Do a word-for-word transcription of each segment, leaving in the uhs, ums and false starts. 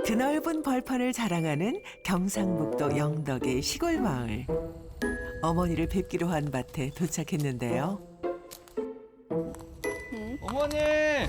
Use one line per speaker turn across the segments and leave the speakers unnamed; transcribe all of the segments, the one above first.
드넓은 벌판을 자랑하는 경상북도 영덕의 시골 마을. 어머니를 뵙기로 한 밭에 도착했는데요.
어머니!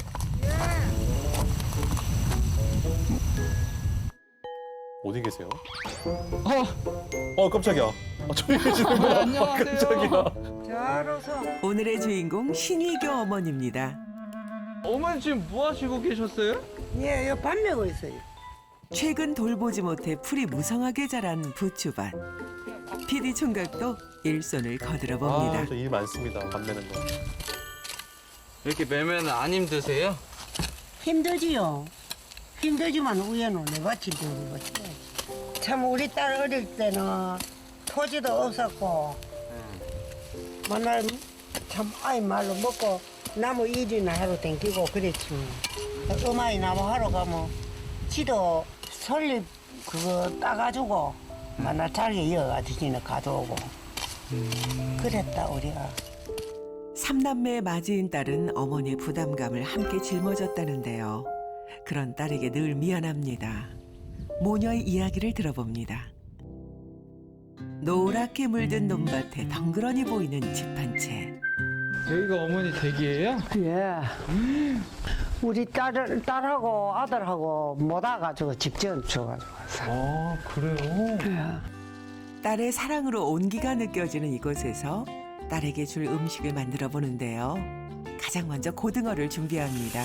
어디 계세요?
어,
어 깜짝이야. 아, 저기 계시는 거야.
안녕하세요.
깜짝이야.
잘어서
오늘의 주인공 신희교 어머니입니다.
어머니 지금 뭐 하시고 계셨어요?
예, 요 반매고 있어요.
최근 돌보지 못해 풀이 무성하게 자란 부추밭. 피디 총각도 일손을 거들어 봅니다.
아, 저 일 많습니다. 밥 매는 거.
이렇게 매면 안 힘드세요?
힘들지요. 힘들지만 우연은 내가 힘들고 거지. 참 우리 딸 어릴 때는 토지도 없었고 맨날 참 아이 말로 먹고 나무 일이나 하러 댕기고 그랬지. 음아이 나무 하러 가면 지도 설립 그거 따가지고 맨날 자리에 이어가지고 가져오고 그랬다 우리가.
삼남매의 맞이인 딸은 어머니의 부담감을 함께 짊어졌다는데요. 그런 딸에게 늘 미안합니다. 모녀의 이야기를 들어봅니다. 노랗게 물든 논밭에 덩그러니 보이는 집 한 채.
여기가 어머니 댁이에요?
예. 우리 딸, 딸하고 아들하고 못 와가지고 직접 줘가지고.
아, 그래요?
딸의 사랑으로 온기가 느껴지는 이곳에서 딸에게 줄 음식을 만들어 보는데요. 가장 먼저 고등어를 준비합니다.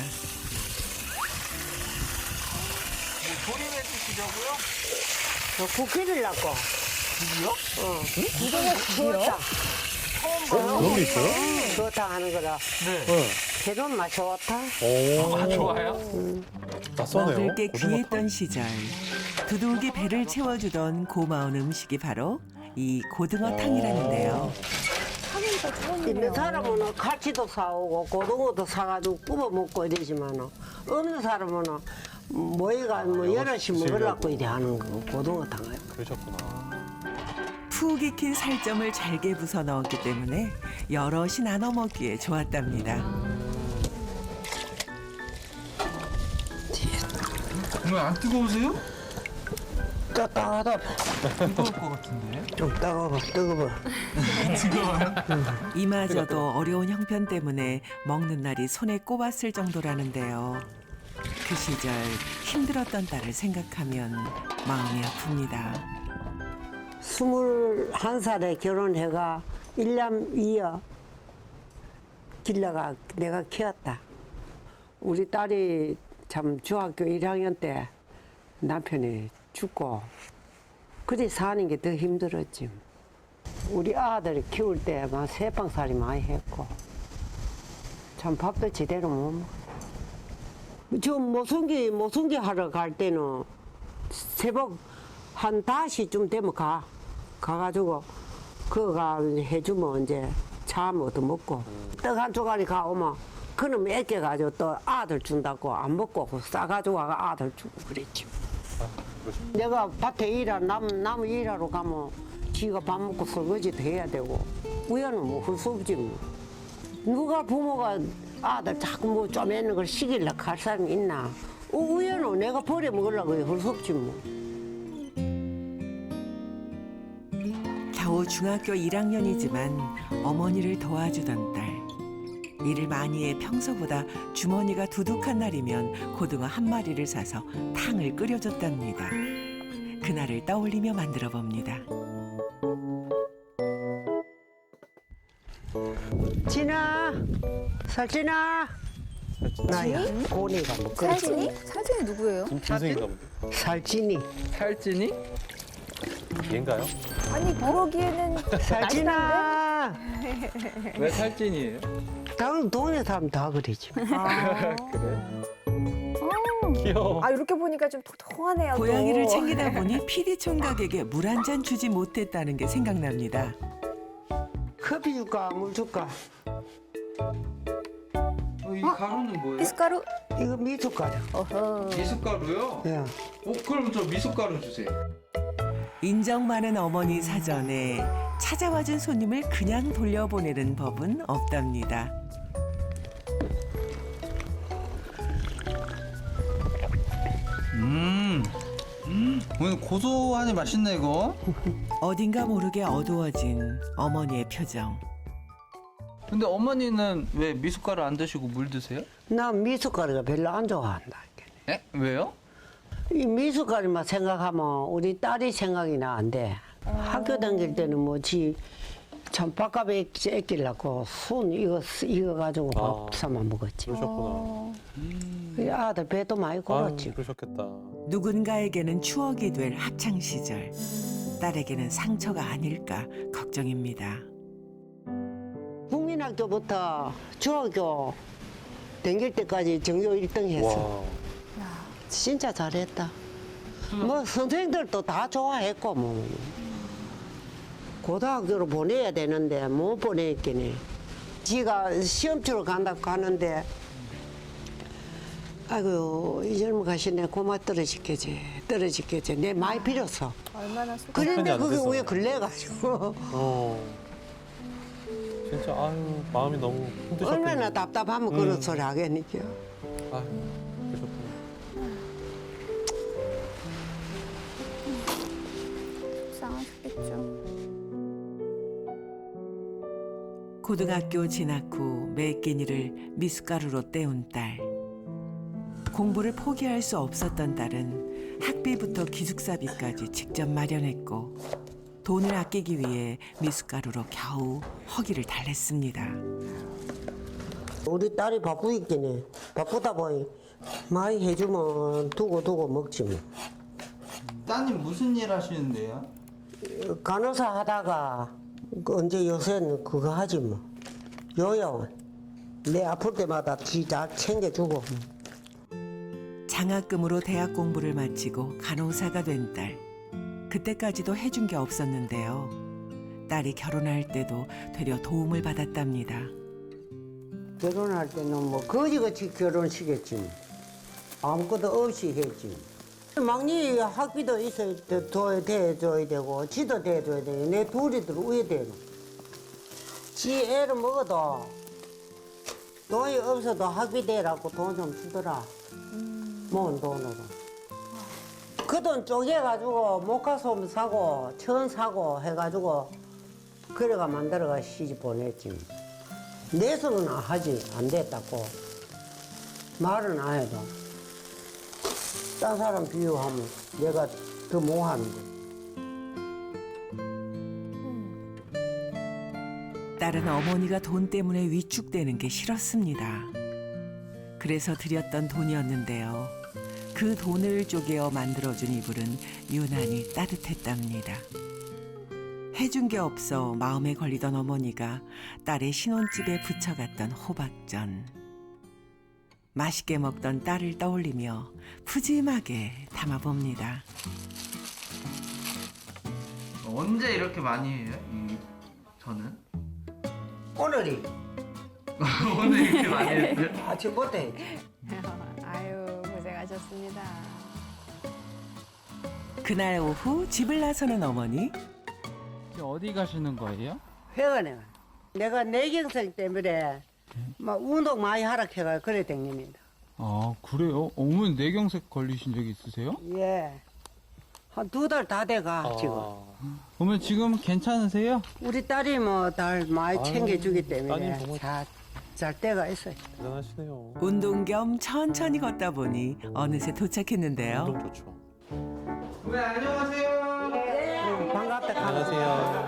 조림해 주시려고요?
저 국기를 낳고.
국이요?
어. 이거는 그렇다.
어? 그런 게 있어요?
그렇다 하는 거라.
네.
네.
개론 맛 좋다.
오.
아, 좋아요?
낯서네요.
먹을 게
고등어
귀했던 시절 두둑이 배를 채워주던 고마운 음식이 바로 이 고등어탕이라는데요.
있는 사람은 갈치도 사오고 고등어도 사가지고 구워 먹고 이러지만 없는 사람은 뭐이가 뭐 여럿이 먹으려고 이래 하는 거 고등어탕을.
그러셨구나.
푹 익힌 살점을 잘게 부숴 넣었기 때문에 여럿이 나눠 먹기에 좋았답니다.
어머니 안 뜨거우세요?
따뜻하다.
뜨거울 것 같은데.
좀 따가워, 뜨거워.
이마저도 어려운 형편 때문에 먹는 날이 손에 꼽았을 정도라는데요. 그 시절 힘들었던 딸을 생각하면 마음이 아픕니다.
스물한 살에 결혼해가 일남 이여 길러가 내가 키웠다. 우리 딸이 참 중학교 일 학년 때 남편이 죽고 그리 사는 게 더 힘들었지. 우리 아들 키울 때 막 세방살이 많이 했고 참 밥도 제대로 못 먹어. 저 모성기 모성기 하러 갈 때는 새벽 한 다섯 시쯤 되면 가 가가지고 그거가 해주면 이제 차 얻어 먹고 떡 한 조각이 가오면 그놈 애껴가지고 또 아들 준다고 안 먹고 싸가지고 와가 아들 주고 그랬지. 내가 밭에 일하러 남, 나무 일하러 가면 지가 밥 먹고 설거지도 해야 되고 우연은 뭐 할 수 없지 뭐. 누가 부모가 아들 자꾸 뭐 쪼매는 걸 시키려 갈 사람이 있나. 어, 우연은 내가 버려 먹으려고 할 수 없지 뭐.
겨우 중학교 일 학년이지만 어머니를 도와주던 딸. 일을 많이 해 평소보다 주머니가 두둑한 날이면 고등어 한 마리를 사서 탕을 끓여줬답니다. 그날을 떠올리며 만들어 봅니다.
진아, 살진아. 나야. 고니가 뭐 그래.
살진이? 살진이 누구예요?
김진승인가 본데.
살진이.
살찐이?
얘인가요?
아니 그러기에는
살진아.
왜 살찐이에요?
당 동네 사람 다 그러지.
아,
귀여워.
아 이렇게 보니까 좀 통통하네요. 또.
고양이를 챙기다 보니 피디 총각에게 물 한 잔 주지 못했다는 게 생각납니다.
커피 줄까, 물 줄까?
어, 이 가루는 뭐예요?
미숫가루.
이거 미숫가루.
어허.
미숫가루요?
예.
어, 그럼 저 미숫가루 주세요.
인정 많은 어머니 사전에 찾아와준 손님을 그냥 돌려보내는 법은 없답니다.
음, 오늘 고소하니 맛있네 이거.
어딘가 모르게 어두워진 어머니의 표정.
근데 어머니는 왜 미숫가루 안 드시고 물 드세요?
나 미숫가루가 별로 안 좋아한다.
에? 왜요?
이 미숫가루만 생각하면 우리 딸이 생각이 나 안 돼. 학교 다닐 때는 뭐지 참 밥값에 애끼려고 순 이거 이거 가지고
아.
밥 사만 먹었지.
그러셨구나.
이 아들 배도 많이
아유,
골았지.
그러셨겠다.
누군가에게는 추억이 될 학창 시절, 딸에게는 상처가 아닐까 걱정입니다.
국민학교부터 중학교 다닐 때까지 전교 일 등 했어.
와.
진짜 잘했다. 뭐 선생님들도 다 좋아했고 뭐. 고등학교로 보내야 되는데 못 보냈긴 해. 지가 시험 치러 간다고 가는데 아이고 이 젊은 가시네 고마 떨어지겠지 떨어지겠지 내 많이 빌었어.
얼마나 속.
그런데
형편이 안
그게
돼서.
왜 걸려가지고
어. 진짜 아유 마음이 너무 힘드셨겠네.
얼마나 답답하면
음.
그런 소리 하겠니까.
아유 그러셨구나.
속상하셨겠죠.
고등학교 진학 후 매 끼니를 미숫가루로 때운 딸. 공부를 포기할 수 없었던 딸은 학비부터 기숙사비까지 직접 마련했고 돈을 아끼기 위해 미숫가루로 겨우 허기를 달랬습니다.
우리 딸이 바쁘긴 해. 바쁘다 보니 많이 해주면 두고 두고 먹지 뭐.
따님 무슨 일 하시는데요?
간호사 하다가 그 언제 요새는 그거 하지 뭐. 요양원. 내 아플 때마다 지다 챙겨주고.
장학금으로 대학 공부를 마치고 간호사가 된 딸. 그때까지도 해준 게 없었는데요. 딸이 결혼할 때도 되려 도움을 받았답니다.
결혼할 때는 뭐 거지같이 결혼시켰지 뭐. 아무것도 없이 했지. 막내 학비도 있어야 돼, 더 대줘야 되고 지도 대줘야 돼. 내 둘이들 위에 되고. 지 애를 먹어도 돈이 없어도 학비 대라고 돈 좀 주더라. 모은 돈으로. 그 돈 쪼개가지고 목화솜 사고 천 사고 해가지고 그래가 만들어가 시집 보냈지. 내서는 하지 안 됐다고 말은 안 해도 딴 사람 비유하면 내가 더 못하는데.
딸은 어머니가 돈 때문에 위축되는 게 싫었습니다. 그래서 드렸던 돈이었는데요. 그 돈을 쪼개어 만들어준 이불은 유난히 따뜻했답니다. 해준 게 없어 마음에 걸리던 어머니가 딸의 신혼집에 부쳐갔던 호박전. 맛있게 먹던 딸을 떠올리며 푸짐하게 담아봅니다.
언제 이렇게 많이 해요? 이 저는
오늘이
오늘 이렇게 많이 했어요?
아침부터 했지.
아유 고생하셨습니다.
그날 오후 집을 나서는 어머니.
어디 가시는 거예요?
회원에 내가 뇌경색 때문에 막 운동 많이 하락해가 그래 댕깁니다.
아 그래요? 어머니 뇌경색 걸리신 적 있으세요?
예. 한 두 달 다 돼가
아.
지금.
어머니 지금 괜찮으세요?
우리 딸이 뭐 날 많이
아유,
챙겨주기
따님
때문에
정말-
잘, 잘 때가 있어요.
대단하시네요.
운동 겸 천천히 걷다 보니 어느새 도착했는데요.
운동 좋죠.
네 안녕하세요.
반갑다.
안녕하세요.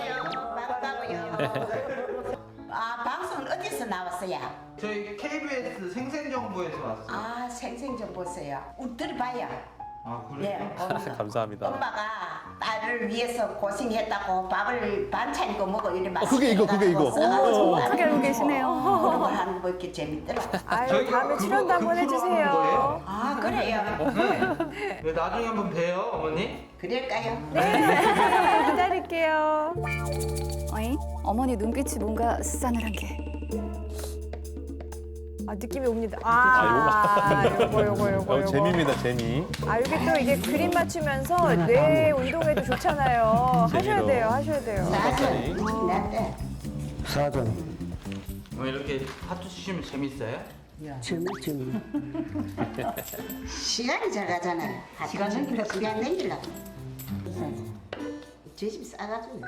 아, 방송은 어디서 나왔어요?
저희 케이비에스 생생정보에서 왔어요.
아, 생생좀 보세요. 우리 들어봐요.
아
네,
그래요?
봅니다.
감사합니다.
엄마가 딸을 위해서 고생했다고 밥을 반찬 거 먹어 이래 맛있게
그게 이거, 그게 이거.
써가지고
어떻게 알고 계시네요.
그런 거 하는 거 이렇게 재밌더라.
아유
저희가
다음에
그거-
출연도 한번
그 프로 하는
해주세요.
거예요?
아, 그래요?
네, 나중에 한번 봬요 어머니.
그럴까요?
기다릴게요. 어이? 어머니 눈빛이 뭔가 싸늘한 게. 아 느낌이 옵니다. 아, 요거 요거 요거
어,
요거.
재미입니다, 재미.
아 이게 또 이게 그림 맞추면서 뇌 운동에도 좋잖아요. 하셔야
재미로.
돼요, 하셔야 돼요.
나도 네.
사전.
뭐 이렇게 하트 치시면 재밌어요?
재밌지.
시간이 잘 가잖아요. 시간 넘기려고. 시간 넘기려고. 저집 싸가지고.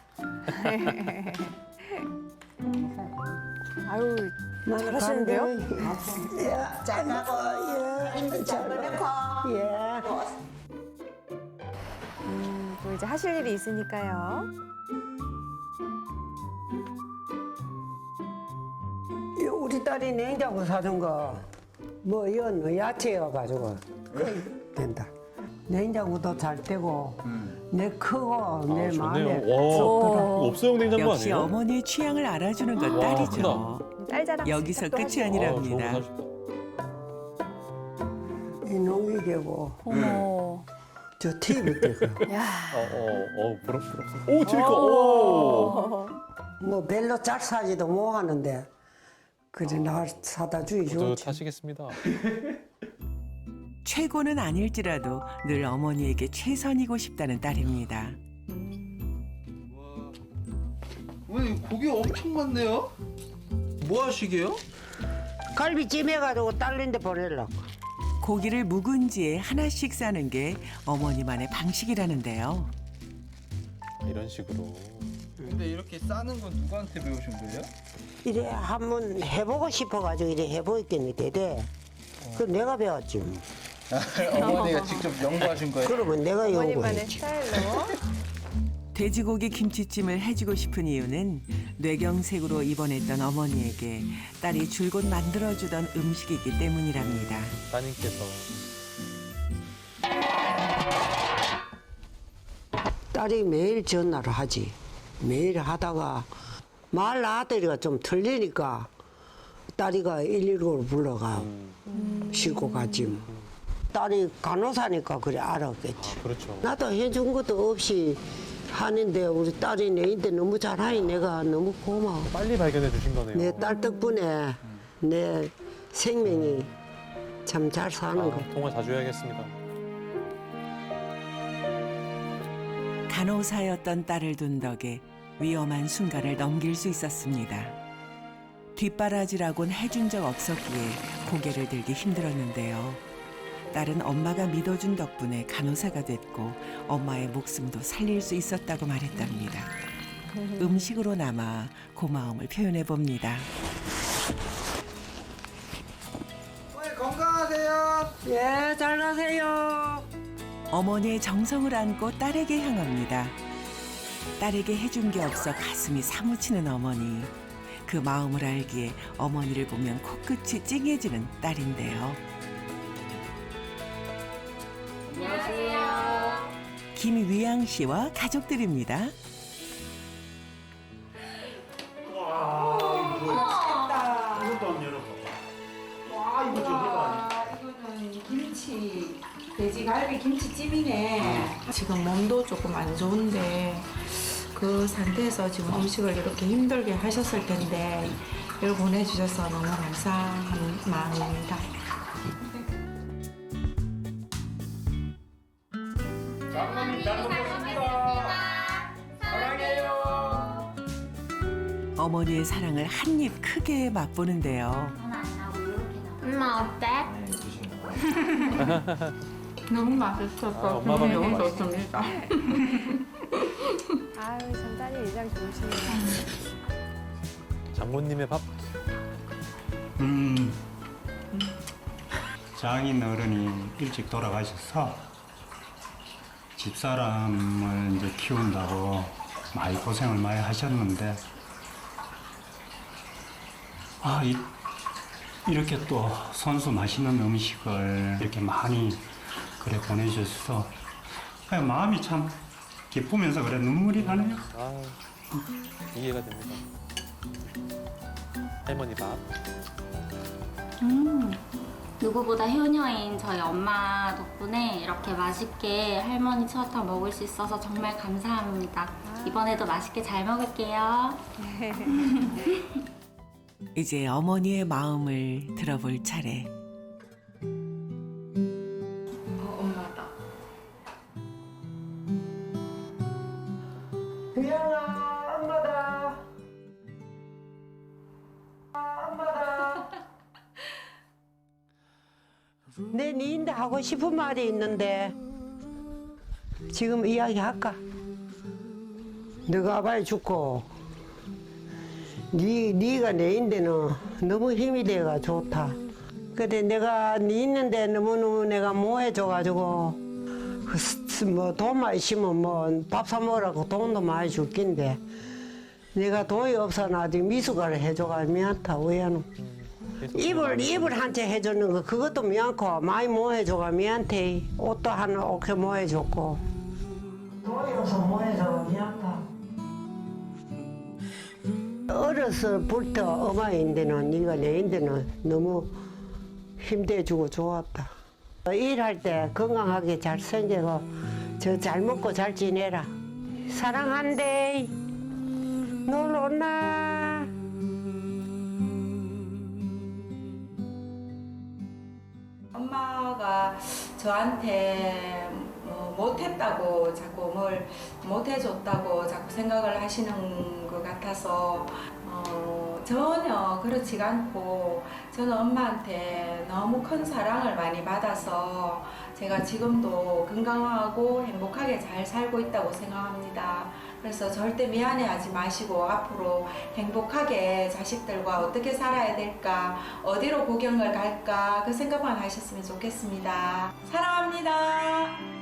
아유, 잘하시는데요?
잘하고 힘도 잘 넣고.
예.
음, 또 이제 하실 일이 있으니까요.
이 우리 딸이 냉장고 사준 거, 뭐, 이건 야채여가지고, 된다. 냉장고도 잘 되고, 내 크고, 내
아,
마음에
좋네요. 와, 없어용 냉장고
역시
아니에요?
어머니의 취향을 알아주는 건
와,
딸이죠.
딸 자랑
여기서
시작도
끝이
하시고.
아니랍니다.
아, 좋은 거 사셨다.
이 농기계고,
어머.
저 티비 되고,
야.
어, 어, 어, 부럽, 부럽. 오, 티비가, 오!
뭐, 별로 잘 사지도 못 하는데, 그래, 나 사다 주기 좋지.
뿌듯하시겠습니다.
최고는 아닐지라도 늘 어머니에게 최선이고 싶다는 딸입니다.
어머니 고기 엄청 많네요. 뭐 하시게요?
갈비찜 해가지고 딸린데 보내려고.
고기를 묵은지에 하나씩 싸는 게 어머니만의 방식이라는데요.
이런 식으로.
근데 이렇게 싸는 건 누구한테 배우신 거예요?
이래 한번 해보고 싶어가지고 이래 해보겠는데, 돼. 그 내가 배웠지.
어머니가 직접 연구하신 거예요?
그러면 내가
어머니만의
연구했지.
스타일로.
돼지고기 김치찜을 해주고 싶은 이유는 뇌경색으로 입원했던 어머니에게 딸이 줄곧 만들어주던 음식이기 때문이랍니다.
따님께서.
딸이 매일 전화를 하지. 매일 하다가 말 아들이가 좀 틀리니까 딸이가 일일구를 불러가 싣고 가지. 뭐. 딸이 간호사니까 그래 알았겠지.
아, 그렇죠.
나도 해준 것도 없이 하는데 우리 딸이 내인데 너무 잘하니 내가 너무 고마워.
빨리 발견해 주신 거네요.
내 딸 덕분에 내 생명이 참 잘 사는 거.
아, 통화 자주 해야겠습니다.
간호사였던 딸을 둔 덕에 위험한 순간을 넘길 수 있었습니다. 뒷바라지라곤 해준 적 없었기에 고개를 들기 힘들었는데요. 딸은 엄마가 믿어준 덕분에 간호사가 됐고 엄마의 목숨도 살릴 수 있었다고 말했답니다. 음식으로 남아 고마움을 표현해 봅니다.
어머니 건강하세요.
예, 잘 가세요.
어머니의 정성을 안고 딸에게 향합니다. 딸에게 해준 게 없어 가슴이 사무치는 어머니. 그 마음을 알기에 어머니를 보면 코끝이 찡해지는 딸인데요. 안녕하세요. 김위양 씨와 가족들입니다.
이거는 김치, 돼지갈비 김치찜이네. 지금 몸도 조금 안 좋은데 그 상태에서 지금 음식을 이렇게 힘들게 하셨을 텐데 이걸 보내주셔서 너무 감사한 마음입니다.
어머니의 사랑을 한 입 크게 맛보는데요.
엄마 어때?
너무 맛있었어.
아, 엄마 밥이
너무
맛있어.
좋습니다.
아유, 참 딸이 일장 좋으시네요.
장모님의 밥.
음, 장인 어른이 일찍 돌아가셔서 집사람을 이제 키운다고 많이 고생을 많이 하셨는데, 아, 이, 이렇게 또 손수 맛있는 음식을 이렇게 많이 그래 보내주셔서 그냥 마음이 참 기쁘면서 그래 눈물이 나네요.
아, 이해가 됩니다. 할머니 밥.
음, 누구보다 효녀인 저희 엄마 덕분에 이렇게 맛있게 할머니 추어탕 먹을 수 있어서 정말 감사합니다. 이번에도 맛있게 잘 먹을게요.
이제 어머니의 마음을 들어볼 차례.
어, 엄마다.
위양아, 엄마다. 엄마다. 내 니인데 하고 싶은 말이 있는데 지금 이야기할까? 너가 빨리 죽고 니, 니가 내인데는 너무 힘이 돼가 좋다. 근데 내가 니 있는데 너무너무 내가 뭐해줘가지고 뭐 돈만 있으면 뭐 밥 사 먹으라고 돈도 많이 줄 낀데 내가 돈이 없어 나중에 미숫가루 해줘가 미안하다. 왜하노? 이불 이불 한 채 해주는 거 그것도 미안고 많이 뭐 해줘가 미안해. 옷도 하나 옷게 뭐 해줬고 돈이 없어 뭐 해줘가 미안하다. 어려서부터 엄마인데는 네가 내인데는 너무 힘대주고 좋았다. 일할 때 건강하게 잘 생기고 저 잘 먹고 잘 지내라. 사랑한대. 놀러 온나.
엄마가 저한테 뭐 못했다고 자꾸 뭘 못해줬다고 자꾸 생각을 하시는 것 같아서 어, 전혀 그렇지가 않고 저는 엄마한테 너무 큰 사랑을 많이 받아서 제가 지금도 건강하고 행복하게 잘 살고 있다고 생각합니다. 그래서 절대 미안해하지 마시고 앞으로 행복하게 자식들과 어떻게 살아야 될까, 어디로 구경을 갈까 그 생각만 하셨으면 좋겠습니다. 사랑합니다.